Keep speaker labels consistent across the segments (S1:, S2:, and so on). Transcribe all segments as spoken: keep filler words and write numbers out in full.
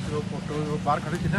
S1: Photo बाहर खड़े कितने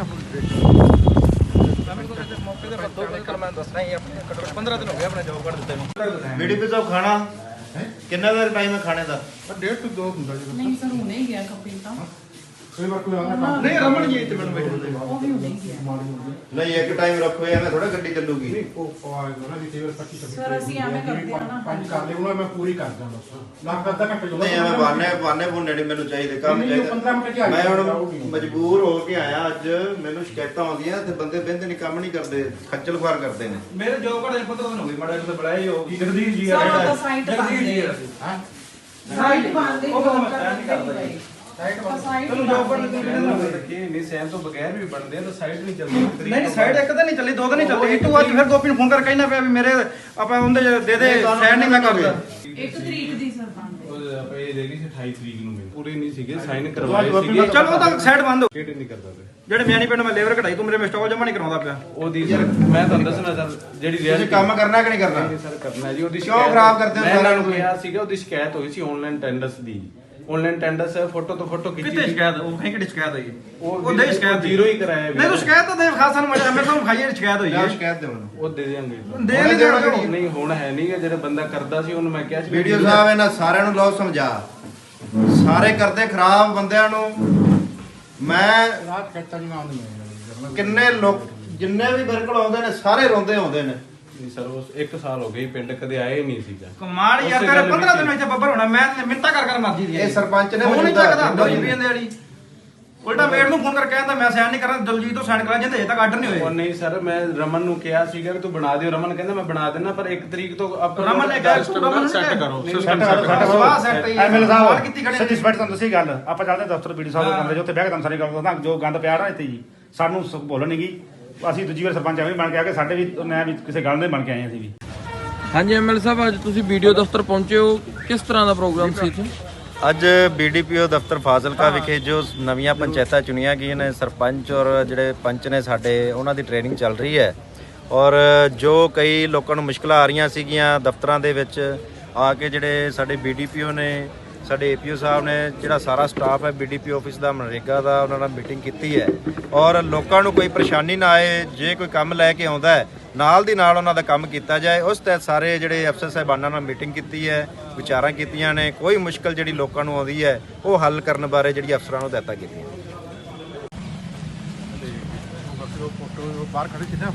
S2: मौके ਤੇ ਦੋ ਕਰ ਮੈਂ ਦੱਸਣਾ ਹੀ ਆਪਣੇ ਘੱਟੋ ਪੰਦਰਾਂ ਦਿਨ ਹੋ ਗਏ ਆਪਣੇ ਜੌਬ ਕਰ ਦਿੱਤੇ ਨੂੰ
S3: ਬੀਡੀਪੀ ਸਾਹਿਬ ਖਾਣਾ ਕਿੰਨਾ ਦਾ ਟਾਈਮ ਹੈ ਖਾਣੇ ਦਾ
S1: डेढ़ टू दो ਹੁੰਦਾ ਜੀ
S4: ਨਹੀਂ ਸਰ ਹੁਣੇ ਹੀ ਗਿਆ ਕਪਿਲ ਤਾਂ
S1: ਕਈ ਵਾਰ ਕੋਈ ਆਉਂਦਾ
S2: ਨਹੀਂ ਰਮਨ ਜੀ ਇੱਥੇ ਮੈਨੂੰ ਬੈਠੇ
S4: ਉਹ ਵੀ ਹੁਣੇ ਹੀ ਗਿਆ
S3: ਨਹੀਂ ਇੱਕ ਟਾਈਮ ਰੱਖੋ ਐਵੇਂ ਥੋੜਾ ਗੱਡੀ ਚੱਲੂਗੀ
S1: ਨਹੀਂ ਉਹ ਆਏਗਾ ਨਾ ਜੀ ਕਈ ਵਾਰ ਪੱਚੀ ਛੱਬੀ
S4: ਸਰ ਅਸੀਂ ਐਵੇਂ ਕਰਦੇ ਹਾਂ ਨਾ
S1: ਪੰਜ ਕਰ ਲਿਓ ਮੈਂ ਪੂਰੀ ਕਰ ਦਾਂ ਬਸ ਲੱਖ ਅੱਧਾ ਘੰਟੇ ਜੋ
S3: ਨਹੀਂ ਐਵੇਂ ਬਾਨੇ ਬਾਨੇ ਬੁੰਨੇ ਨਹੀਂ ਮੈਨੂੰ ਚਾਹੀਦੇ ਕੰਮ
S1: ਨਹੀਂ, ਉਹ ਪੰਦਰਾਂ ਮਿੰਟ ਚ ਆ
S3: ਚਾਹੀਦਾ ਮੈਂ
S1: ਜਾਊਗਾ,
S3: ਹੁਣ
S1: ਜਾਊਗੀ।
S3: ਮਜਬੂਰ ਹੋ ਕੇ ਆਇਆ ਅੱਜ ਮੈਨੂੰ ਸ਼ਿਕਾਇਤਾਂ ਆਉਂਦੀਆਂ ਤੇ ਬੰਦੇ ਬਿੰਦ ਨਹੀਂ ਕੰਮ ਨਹੀਂ ਕਰਦੇ ਖੱਜਲ ਖੁਆਰ ਕਰਦੇ ਨੇ
S2: ਮੇਰੇ ਜੌਬ ਕਰ ਪੰਦਰਾਂ ਦਿਨ ਹੋ ਗਏ ਮਾੜਾ ਜਿਹਾ ਬੁਲਾਏ ਹੋ ਕੀ ਜਗਦੀਸ਼ ਜੀ ਆ
S4: ਸਰ, ਉਹ
S2: ਜਿਹੜਾ
S4: ਤਾਂ ਸਾਈਟ
S2: ਜਗਦੀਸ਼ ਜੀ ਆ
S1: ਹਾਂ
S4: ਸਾਈਟ ਬੰਦੇ
S2: ਉਹ ਤਾਂ ਮੈਂ ਨਹੀਂ ਕਰਦਾ ਜੀ
S1: ਸਾਈਟ ਬੰਦ
S4: ਸਾਈਟ
S2: ਤੈਨੂੰ ਜੌਬ ਕਰਨ ਦੀ
S5: ਕਿ ਨਹੀਂ ਸੈਨ ਤੋਂ ਬਗੈਰ ਵੀ ਬਣਦੇ ਆ ਤਾਂ ਸਾਈਡ ਨਹੀਂ ਚੱਲਦੀ
S2: ਨਹੀਂ ਸਾਈਡ ਇੱਕ ਤਾਂ ਨਹੀਂ ਚੱਲੀ ਦੋ ਤਾਂ ਨਹੀਂ ਚੱਲੀ ਇੱਕ ਵਾਰ ਫਿਰ ਗੋਪੀ ਨੂੰ ਫੋਨ ਕਰਕੇ ਕਹਿਣਾ ਪਿਆ ਵੀ ਮੇਰੇ ਆਪਾਂ ਉਹਦੇ ਦੇ ਦੇ ਸਾਈਡ ਨਹੀਂ ਮੈਂ ਕਰਦਾ
S4: ਇੱਕ ਤਰੀਕ ਦੀ ਸਰ ਬੰਦੇ
S5: ਉਹ ਆਪਾਂ ਇਹ ਦੇਖੀ ਸੀ ਅਠਾਈ ਤਰੀਕ ਨੂੰ ਮੈਨੂੰ ਪੂਰੇ ਨਹੀਂ ਸੀਗੇ ਸਾਈਨ ਕਰਵਾਏ ਸੀਗੇ
S2: ਚਲੋ ਉਹ ਤਾਂ ਸਾਈਡ ਬੰਦ ਹੋ
S5: ਕਿਹੜੇ ਨਹੀਂ ਕਰਦਾ ਪਿਆ
S2: ਜਿਹੜੇ ਮਿਆਣੀ ਪਿੰਡ ਮੈਂ ਲੇਬਰ ਕਢਾਈ ਤੂੰ ਮੇਰੇ ਮਿਸਟਾਕ ਜਮਾ ਨਹੀਂ ਕਰਾਉਂਦਾ ਪਿਆ
S5: ਉਹਦੀ ਸਰ ਮੈਂ ਤੁਹਾਨੂੰ ਦੱਸਣਾ ਸਰ ਜਿਹੜੀ
S3: ਤੁਸੀਂ
S5: ਰਿਐਲਿਟੀ
S3: ਕੰਮ ਕਰਨਾ ਕਿ ਨਹੀਂ ਕਰਨਾ
S5: ਨਹੀਂ ਸਰ ਕਰਨਾ ਹੈ ਜੀ ਉਹਦੀ
S3: ਕਿਉਂ ਖਰਾਬ ਕਰਦੇ ਹੋ
S5: ਮੈਂ
S3: ਸਾਰਿਆਂ
S5: ਇਹਨਾਂ ਨੂੰ
S3: ਨੂੰ?
S5: ਕਿਹਾ ਸੀਗਾ ਉਹਦੀ ਸ਼ਿਕਾਇਤ ਹੋਈ ਸੀ ਆਨਲਾਈਨ ਟੈਂਡਰਸ ਦੀ ਆਨਲਾਈਨ ਟੈਂਡਰਸ ਫੋਟੋ ਤੋਂ ਫੋਟੋ ਖਿੱਚੀ
S2: ਕਿਤੇ
S5: ਸੀ।
S2: ਸ਼ਿਕਾਇਤ ਉਹ ਕਹੀਂ ਕਿਹੜੀ ਸ਼ਿਕਾਇਤ ਹੋਈ
S5: ਉਹ
S2: ਉਹ ਦੇ ਸ਼ਿਕਾਇਤ
S5: ਜ਼ੀਰੋ ਹੀ ਕਰਾਇਆ
S2: ਨਹੀਂ ਤੂੰ ਸ਼ਿਕਾਇਤ ਤਾਂ ਦੇ ਖਾਸ ਸਾਨੂੰ ਮੈਂ ਮੈਂ ਤੁਹਾਨੂੰ ਖਾਈ ਸ਼ਿਕਾਇਤ ਹੋਈ
S3: ਜਾਂ
S2: ਹੈ
S3: ਸ਼ਿਕਾਇਤ ਦੇ ਮੈਨੂੰ
S5: ਉਹ ਦੇ ਦੇਾਂਗੇ
S2: ਦੇ ਨਹੀਂ ਦੇਣਾ ਕਿਹੜੀ
S5: ਨਹੀਂ ਹੁਣ ਹੈ ਨਹੀਂ ਗਾ, ਜਿਹੜਾ ਬੰਦਾ ਕਰਦਾ ਸੀ ਉਹਨੂੰ ਮੈਂ ਕਿਹਾ ਸੀ
S3: ਵੀਡੀਓ ਸਾਹਿਬ ਇਹਨਾਂ ਸਾਰਿਆਂ ਨੂੰ ਲਓ ਸਮਝਾ ਸਾਰੇ ਕਰਦੇ ਖਰਾਬ ਬੰਦਿਆਂ ਨੂੰ ਮੈਂ
S1: ਰਾਤ ਕਹਿਤਾ ਨਹੀਂ ਆਉਂਦੀ ਮੈਂ
S3: ਕਿੰਨੇ ਲੋਕ ਜਿੰਨੇ ਵੀ ਬਿਰਕਲ ਆਉਂਦੇ ਨੇ ਸਾਰੇ ਰੋਂਦੇ ਆਉਂਦੇ ਨੇ
S5: ਨਹੀਂ ਸਰ ਉਸ ਇੱਕ ਸਾਲ ਹੋ ਗਈ ਪਿੰਡ ਕਦੇ ਆਏ ਨਹੀਂ ਸੀਗਾ
S2: ਕਮਾਲ ਯਾਰ
S5: ਉਸੇ
S2: ਤੇਰੇ
S5: ਗੱਲ
S2: ਪੰਦਰਾਂ
S5: ਵਿੱਚ
S2: ਦਿਨ ਵਿੱਚ ਬੱਬਰ ਹੋਣਾ ਮੈਂ ਮਿੰਤਾ ਕਰ ਕਰ ਮਰਜੀ ਦੀ
S3: ਇਹ ਸਰਪੰਚ ਨੇ
S2: ਫੋਨ ਨਹੀਂ
S3: ਮੌਜੂਦਾ
S2: ਚੱਕਦਾ
S3: ਦਿੱਤਾ
S2: ਦਲਜੀਤ ਦੇ ਵਾਲੀ ਉਲਟਾ ਮੇੜ ਨੂੰ ਫੋਨ ਕਰਕੇ ਕਹਿੰਦਾ ਮੈਂ ਸਾਈਨ ਨਹੀਂ ਕਰਨਾ ਦਲਜੀਤ ਤੋਂ ਸਾਈਨ ਕਰਾ ਜਾਂਦੇ ਹਜੇ ਤੱਕ ਆਰਡਰ ਨਹੀਂ
S5: ਉਹ
S2: ਹੋਏ
S5: ਨਹੀਂ ਸਰ ਮੈਂ ਰਮਨ ਨੂੰ ਕਿਹਾ ਸੀਗਾ ਕਿ ਤੂੰ ਬਣਾ ਦਿਓ ਰਮਨ ਕਹਿੰਦਾ ਮੈਂ ਬਣਾ ਦਿੰਦਾ ਪਰ ਇੱਕ ਤਰੀਕ ਤੋਂ ਆਪਾਂ
S2: ਰਮਨ ਨੇ ਕਿਹਾ ਤੂੰ ਰਮਨ ਸੈੱਟ ਕਰੋ
S5: ਸਿਸਟਮ
S2: ਸਵਾਹ ਸੈੱਟ ਹੀ
S6: ਐਮਐਲ
S2: ਸਵਾਲ
S6: ਸਾਹਿਬ
S2: ਕੀਤੀ ਖੜੇ
S6: ਸੱਚੀ ਸਪੈਟ ਤੁਹਾਨੂੰ ਦੱਸੀ ਗੱਲ ਆਪਾਂ ਚੱਲਦੇ ਦਫ਼ਤਰ ਬੀਡੀ ਸਾਹਿਬ ਦੇ ਕਮਰੇ 'ਚ ਉੱਥੇ ਬਹਿ ਕੇ ਤੁਹਾਨੂੰ ਸਾਰੀ ਗੱਲ ਦੱਸਦਾ ਜੋ ਗੰਦ ਪਿਆ ਨਾ ਇੱਥੇ ਜੀ ਸਾਨੂੰ ਸ- ਭੁੱਲ ਨਹੀਂ ਗਈ ਅਸੀਂ ਦੂਜੀ ਵਾਰ ਸਰਪੰਚ ਐਵੇਂ ਬਣ ਕੇ ਆ ਕੇ ਸਾਡੇ ਵੀ ਮੈਂ ਵੀ ਕਿਸੇ ਗੱਲ ਦੇ ਬਣ ਕੇ ਆਏ ਅਸੀਂ ਵੀ
S7: ਹਾਂਜੀ ਐਮਐਲ ਸਾਹਿਬ ਅੱਜ ਤੁਸੀਂ ਵੀਡੀਓ ਦਫ਼ਤਰ ਪਹੁੰਚੇ ਹੋ ਕਿਸ ਤਰ੍ਹਾਂ ਦਾ ਪ੍ਰੋਗਰਾਮ ਸੀ ਇੱਥੇ
S3: ਅੱਜ ਬੀਡੀਪੀਓ ਦਫ਼ਤਰ ਫਾਜ਼ਿਲਕਾ ਵਿਖੇ ਜੋ ਨਵੀਆਂ ਪੰਚਾਇਤਾਂ ਚੁਣੀਆਂ ਗਈਆਂ ਨੇ ਸਰਪੰਚ ਔਰ ਜਿਹੜੇ ਪੰਚ ਨੇ ਸਾਡੇ ਉਹਨਾਂ ਦੀ ਟ੍ਰੇਨਿੰਗ ਚੱਲ ਰਹੀ ਹੈ ਔਰ ਜੋ ਕਈ ਲੋਕਾਂ ਨੂੰ ਮੁਸ਼ਕਲਾਂ ਆ ਰਹੀਆਂ ਸੀਗੀਆਂ ਦਫ਼ਤਰਾਂ ਦੇ ਵਿੱਚ ਆ ਕੇ ਜਿਹੜੇ ਸਾਡੇ ਬੀਡੀਪੀਓ ਨੇ ਸਾਡੇ ਏਪੀਓ ਸਾਹਿਬ ਨੇ ਜਿਹੜਾ ਸਾਰਾ ਸਟਾਫ ਹੈ ਬੀਡੀਪੀ ਆਫਿਸ ਦਾ ਮਨਰੇਗਾ ਦਾ ਉਹਨਾਂ ਨਾਲ ਮੀਟਿੰਗ ਕੀਤੀ ਹੈ ਔਰ ਲੋਕਾਂ ਨੂੰ ਕੋਈ ਪਰੇਸ਼ਾਨੀ ਨਾ ਆਏ ਜੇ ਕੋਈ ਕੰਮ ਲੈ ਕੇ ਆਉਂਦਾ ਹੈ ਨਾਲ ਦੀ ਨਾਲ ਉਹਨਾਂ ਦਾ ਕੰਮ ਕੀਤਾ ਜਾਏ ਉਸ ਤਹਿਤ ਸਾਰੇ ਜਿਹੜੇ ਅਫਸਰ ਸਾਹਿਬਾਨਾਂ ਨਾਲ ਮੀਟਿੰਗ ਕੀਤੀ ਹੈ ਵਿਚਾਰਾਂ ਕੀਤੀਆਂ ਨੇ ਕੋਈ ਮੁਸ਼ਕਲ ਜਿਹੜੀ ਲੋਕਾਂ ਨੂੰ ਆਉਂਦੀ ਹੈ ਉਹ ਹੱਲ ਕਰਨ ਬਾਰੇ ਜਿਹੜੀ ਅਫਸਰਾਂ ਨੂੰ ਹਦਾਇਤਾਂ ਕੀਤੀਆਂ
S1: फोटो बाहर खड़े कितने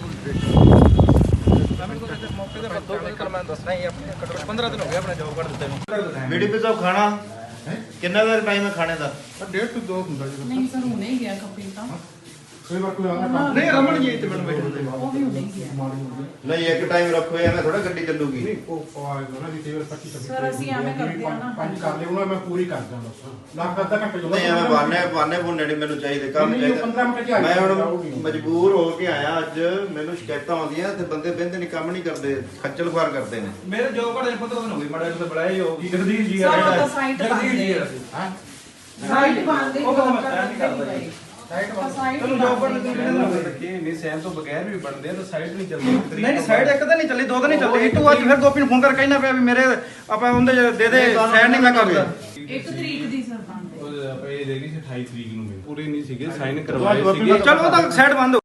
S2: ਮੌਕੇ ਤੇ ਦੋ ਕਰ ਮੈਂ ਦੱਸਣਾ ਹੀ ਆਪਣੇ ਘੱਟੋ ਪੰਦਰਾਂ ਦਿਨ ਹੋ ਗਏ ਆਪਣੇ ਜੌਬ ਕਰ ਦਿੱਤੇ ਨੂੰ
S3: ਬੀਡੀਪੀ ਸਾਹਿਬ ਖਾਣਾ ਕਿੰਨਾ ਦਾ ਟਾਈਮ ਹੈ ਖਾਣੇ ਦਾ
S1: डेढ़ टू दो ਹੁੰਦਾ ਜੀ
S4: ਨਹੀਂ ਸਰ ਹੁਣੇ ਹੀ ਗਿਆ ਕਪਿਲ ਤਾਂ
S1: ਕਈ ਵਾਰ ਕੋਈ ਆਉਂਦਾ
S2: ਨਹੀਂ ਰਮਨ ਜੀ ਇੱਥੇ ਮੈਨੂੰ ਬੈਠੇ
S4: ਉਹ ਵੀ ਹੁਣੇ ਹੀ ਗਿਆ
S3: ਨਹੀਂ ਇੱਕ ਟਾਈਮ ਰੱਖੋ ਐਵੇਂ ਥੋੜਾ ਗੱਡੀ ਚੱਲੂਗੀ
S1: ਨਹੀਂ ਉਹ ਆਏਗਾ ਨਾ ਜੀ ਕਈ ਵਾਰ ਪੱਚੀ ਛੱਬੀ
S4: ਸਰ, ਅਸੀਂ ਐਵੇਂ ਕਰਦੇ ਹਾਂ ਨਾ।
S1: ਪੰਜ ਕਰ ਲਿਓ ਮੈਂ ਪੂਰੀ ਕਰ ਦਾਂ ਬਸ ਲੱਖ ਅੱਧਾ ਘੰਟੇ ਜੋ
S3: ਨਹੀਂ ਐਵੇਂ ਬਾਨੇ ਬਾਨੇ ਬੁੰਨੇ ਨਹੀਂ ਮੈਨੂੰ ਚਾਹੀਦੇ ਕੰਮ
S1: ਨਹੀਂ, ਉਹ ਪੰਦਰਾਂ ਮਿੰਟ ਚ ਆ
S3: ਚਾਹੀਦਾ ਮੈਂ
S1: ਜਾਊਗਾ,
S3: ਹੁਣ
S1: ਜਾਊਗੀ।
S3: ਮਜਬੂਰ ਹੋ ਕੇ ਆਇਆ ਅੱਜ ਮੈਨੂੰ ਸ਼ਿਕਾਇਤਾਂ ਆਉਂਦੀਆਂ ਤੇ ਬੰਦੇ ਬਿੰਦ ਨਹੀਂ ਕੰਮ ਨਹੀਂ ਕਰਦੇ ਖੱਜਲ ਖੁਆਰ ਕਰਦੇ ਨੇ
S2: ਮੇਰੇ ਜੌਬ ਕਰ ਪੰਦਰਾਂ ਦਿਨ ਹੋ ਗਏ ਮਾੜਾ ਜਿਹਾ ਬੁਲਾਏ ਹੋ ਕੀ ਜਗਦੀਸ਼ ਜੀ ਆ
S4: ਸਰ, ਉਹ
S2: ਜਿਹੜਾ
S4: ਤਾਂ ਸਾਈਟ
S2: ਜਗਦੀਸ਼ ਜੀ ਆ
S1: ਹਾਂ
S4: ਸਾਈਟ ਬੰਦੇ
S2: ਉਹ ਤਾਂ ਮੈਂ ਨਹੀਂ ਕਰਦਾ ਜੀ
S1: ਸਾਈਟ ਬੰਦ
S4: ਸਾਈਟ
S2: ਤੈਨੂੰ ਜੌਬ ਕਰਨ ਦੀ
S5: ਕਿ ਨਹੀਂ ਸੈਨ ਤੋਂ ਬਗੈਰ ਵੀ ਬਣਦੇ ਆ ਤਾਂ ਸਾਈਡ ਨਹੀਂ ਚੱਲਦੀ
S2: ਨਹੀਂ ਸਾਈਡ ਇੱਕ ਤਾਂ ਨਹੀਂ ਚੱਲੀ ਦੋ ਤਾਂ ਨਹੀਂ ਚੱਲੀ ਇੱਕ ਵਾਰ ਫਿਰ ਗੋਪੀ ਨੂੰ ਫੋਨ ਕਰਕੇ ਕਹਿਣਾ ਪਿਆ ਵੀ ਮੇਰੇ ਆਪਾਂ ਉਹਦੇ ਦੇ ਦੇ ਸਾਈਡ ਨਹੀਂ ਮੈਂ ਕਰਦਾ
S4: ਇੱਕ ਤਰੀਕ ਦੀ ਸਰ ਬੰਦੇ
S5: ਉਹ ਆਪਾਂ ਇਹ ਦੇਖੀ ਸੀ ਅਠਾਈ ਤਰੀਕ ਨੂੰ ਮੈਨੂੰ ਪੂਰੇ ਨਹੀਂ ਸੀਗੇ ਸਾਈਨ ਕਰਵਾਏ ਸੀਗੇ
S2: ਚਲੋ ਉਹ ਤਾਂ ਸਾਈਡ ਬੰਦ ਹੋ